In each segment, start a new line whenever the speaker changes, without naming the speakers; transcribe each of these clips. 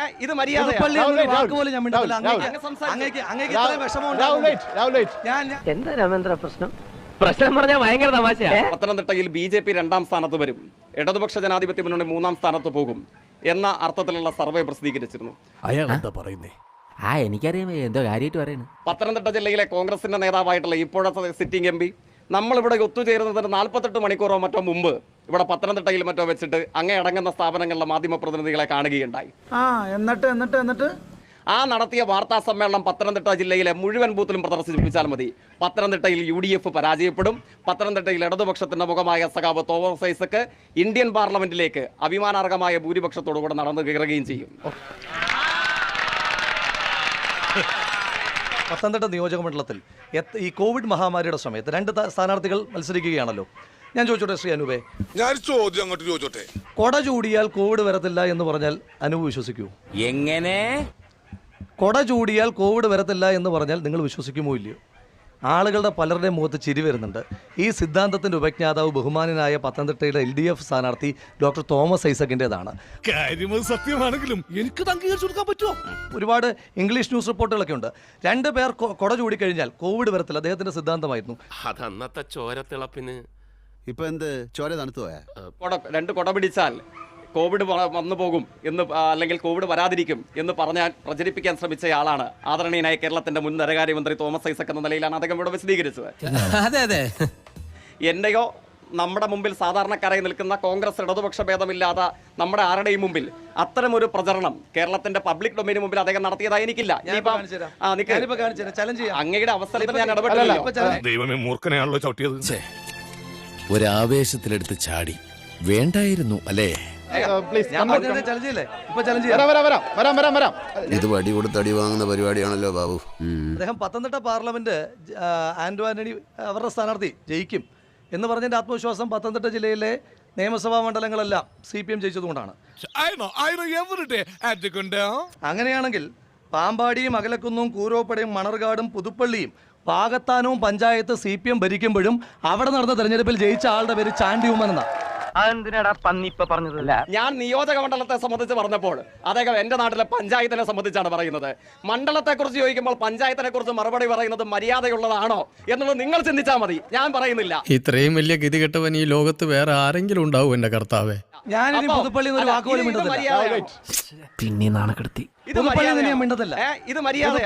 ഇത് മര്യാദ.
എന്താ രാമേന്ദ്ര പ്രശ്നം? പ്രശ്നം പറഞ്ഞാൽ ഭയങ്കര തമാശയാ.
പത്തനംതിട്ടയിൽ BJP 2ാം സ്ഥാനത്ത് വരും, ഇടതുപക്ഷ ജനാധിപത്യ മുന്നണി 3ാം സ്ഥാനത്ത് പോകും എന്ന അർത്ഥത്തിലുള്ള സർവേ പ്രസിദ്ധീകരിച്ചിരുന്നു.
അയാൾ എന്താ പറയുന്നേ?
എനിക്കറിയാം എന്തോ കാര്യമായിട്ട് പറയുന്നു.
പത്തനംതിട്ട ജില്ലയിലെ കോൺഗ്രസിന്റെ നേതാവായിട്ടുള്ള ഇപ്പോഴത്തെ സിറ്റിംഗ് MP നമ്മളിവിടെ ഒത്തുചേരുന്നതിന് 48 മണിക്കൂറോ മറ്റോ മുമ്പ് ഇവിടെ പത്തനംതിട്ടയിൽ മറ്റോ വെച്ചിട്ട് അങ്ങേ അടങ്ങുന്ന സ്ഥാപനങ്ങളിലെ മാധ്യമ പ്രതിനിധികളെ കാണുകയുണ്ടായി.
എന്നിട്ട്
ആ നടത്തിയ വാർത്താ സമ്മേളനം പത്തനംതിട്ട ജില്ലയിലെ മുഴുവൻ ബൂത്തിലും പ്രദർശിപ്പിച്ചാൽ മതി. പത്തനംതിട്ടയിൽ UDF പരാജയപ്പെടും. പത്തനംതിട്ടയിൽ ഇടതുപക്ഷത്തിന്റെ മുഖമായ സഖാവ് തോമസ് ഐസക് ഇന്ത്യൻ പാർലമെന്റിലേക്ക് അഭിമാനാർഹമായ ഭൂരിപക്ഷത്തോടുകൂടെ നടന്നു കയറുകയും ചെയ്യും.
പത്തനംതിട്ട നിയോജക മണ്ഡലത്തിൽ ഈ കോവിഡ് മഹാമാരിയുടെ സമയത്ത് 2 സ്ഥാനാർത്ഥികൾ മത്സരിക്കുകയാണല്ലോ. ഞാൻ ചോദിച്ചോട്ടെ ശ്രീ അനൂപേ,
ഞാൻ ചോദ്യം അങ്ങോട്ട് ചോദിച്ചോട്ടെ.
കൊട ചൂടിയാൽ കോവിഡ് വരത്തില്ല എന്ന് പറഞ്ഞാൽ അനൂപ് വിശ്വസിക്കൂ?
എങ്ങനെ?
കൊട ചൂടിയാൽ കോവിഡ് വരത്തില്ല എന്ന് പറഞ്ഞാൽ നിങ്ങൾ വിശ്വസിക്കുമോ ഇല്ലയോ? ആളുകളുടെ പലരുടെയും മുഖത്ത് ചിരി വരുന്നുണ്ട്. ഈ സിദ്ധാന്തത്തിന്റെ ഉപജ്ഞാതാവ് ബഹുമാനനായ പത്തനംതിട്ടയുടെ LDF സ്ഥാനാർത്ഥി ഡോക്ടർ തോമസ് ഐസക്കിൻ്റെതാണ്.
സത്യമാണെങ്കിലും എനിക്ക് അംഗീകരിച്ചു കൊടുക്കാൻ പറ്റുമോ?
ഒരുപാട് ഇംഗ്ലീഷ് ന്യൂസ് റിപ്പോർട്ടുകളൊക്കെ ഉണ്ട്. 2 പേർ കൊട ചൂടിക്കഴിഞ്ഞാൽ കോവിഡ് വരത്തില്ല, അദ്ദേഹത്തിന്റെ സിദ്ധാന്തമായിരുന്നു.
അതന്നത്തെ ചോരത്തിളപ്പിന്
ഇപ്പൊ എന്ത് ചോര തണുത്തു പോയാ?
2 കൊട പിടിച്ചാൽ കോവിഡ് വന്നു പോകും എന്ന്, അല്ലെങ്കിൽ കോവിഡ് വരാതിരിക്കും എന്ന് പറഞ്ഞാൽ പ്രചരിപ്പിക്കാൻ ശ്രമിച്ചയാളാണ് ആദരണീയനായ കേരളത്തിന്റെ മുൻ ധനകാര്യമന്ത്രി തോമസ് ഐസക് എന്ന നിലയിലാണ് അദ്ദേഹം ഇവിടെ വിശദീകരിച്ചത്. എന്റെയോ നമ്മുടെ മുമ്പിൽ സാധാരണക്കാരായി നിൽക്കുന്ന കോൺഗ്രസ് ഇടതുപക്ഷ ഭേദമില്ലാതെ നമ്മുടെ ആരുടെയും മുമ്പിൽ അത്തരമൊരു പ്രചരണം കേരളത്തിന്റെ പബ്ലിക് ഡൊമൈന് മുമ്പിൽ അദ്ദേഹം നടത്തിയതായി എനിക്കില്ല. അങ്ങയുടെ അവസരത്തിൽ ഞാൻ ഇടപെട്ടില്ല.
ദൈവമേ, മൂർഖനെയാണല്ലോ ചവിട്ടിയത്.
ഒരാവേശത്തിലെടുത്ത് ചാടി വേണ്ടായിരുന്നു അല്ലേ?
ഇത് വടി കൊടുത്ത് അടി വാങ്ങുന്ന പരിപാടിയാണല്ലോ ബാബു.
അദ്ദേഹം പത്തനംതിട്ട പാർലമെന്റ് ആന്റോ ആന്റണി അവരുടെ സ്ഥാനാർത്ഥി ജയിക്കും എന്ന് പറഞ്ഞതിന്റെ ആത്മവിശ്വാസം പത്തനംതിട്ട ജില്ലയിലെ നിയമസഭാ മണ്ഡലങ്ങളെല്ലാം CPM ജയിച്ചതുകൊണ്ടാണ്. അങ്ങനെയാണെങ്കിൽ പാമ്പാടിയും അകലക്കുന്നും കൂരോപ്പടയും മണർകാടും പുതുപ്പള്ളിയും പാകത്താനവും പഞ്ചായത്ത് CPM ഭരിക്കുമ്പോഴും അവിടെ നടന്ന തെരഞ്ഞെടുപ്പിൽ ജയിച്ച ആളുടെ പേര് ചാണ്ടി ഉമ്മൻ എന്നാ.
അതെന്തിനാടാ പന്നിപ്പ പറഞ്ഞതല്ല?
ഞാൻ നിയോജക മണ്ഡലത്തെ സംബന്ധിച്ച് പറഞ്ഞപ്പോൾ അദ്ദേഹം എന്റെ നാട്ടിലെ പഞ്ചായത്തിനെ സംബന്ധിച്ചാണ് പറയുന്നത്. മണ്ഡലത്തെ കുറിച്ച് ചോദിക്കുമ്പോൾ പഞ്ചായത്തിനെ കുറിച്ച് മറുപടി പറയുന്നത് മര്യാദയുള്ളതാണോ എന്നുള്ളത് നിങ്ങൾ ചിന്തിച്ചാൽ മതി, ഞാൻ പറയുന്നില്ല.
ഇത്രയും വലിയ ഗതികെട്ടവൻ ഈ ലോകത്ത് വേറെ ആരെങ്കിലും ഉണ്ടാവും എന്റെ കർത്താവേ?
ഞാനിനി പുതുപ്പള്ളി ഒരു വാക്കുപോലും മിണ്ടത്തില്ല.
പിന്നെ നാണക്കെടുത്തി.
ഇത് മര്യാദ.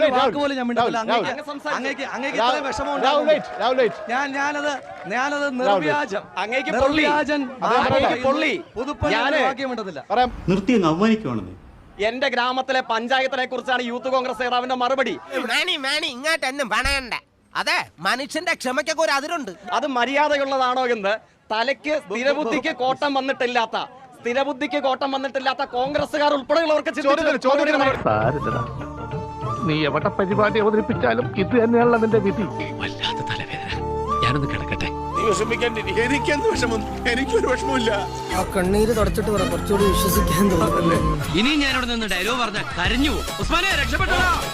എന്റെ ഗ്രാമത്തിലെ പഞ്ചായത്തിനെ കുറിച്ചാണ് യൂത്ത് കോൺഗ്രസ് നേതാവിന്റെ മറുപടി.
ഇങ്ങോട്ടൊന്നും പണയണ്ട. അതെ, മനുഷ്യന്റെ ക്ഷമയ്ക്കൊക്കെ ഒരു അതിരുണ്ട്.
അത് മര്യാദയുള്ളതാണോ എന്ന് തലയ്ക്ക് സ്ഥിരബുദ്ധിക്ക് കോട്ടം വന്നിട്ടില്ലാത്ത കോൺഗ്രസ്സുകാർ ഉൾപ്പെടെയുള്ളവർക്ക്
നീ എവിടെ പരിപാടി അവതരിപ്പിച്ചാലും ഇത് തന്നെയാണല്ലോ നിന്റെ വിധി. വല്ലാത്ത തലവേദന, ഞാനൊന്ന് കിടക്കട്ടെ.
എനിക്കെന്ത് വിഷമം? എനിക്കൊരു വിഷമമില്ല.
ആ കണ്ണീര് തുടച്ചിട്ട് പറ, കുറച്ചുകൂടി വിശ്വസിക്കാൻ തോന്നുന്നു.
ഇനി ഞാനിവിടെ നിന്ന് ഡയലോഗ് പറഞ്ഞ കരഞ്ഞു. ഉസ്മാനെ രക്ഷപ്പെട്ടോ.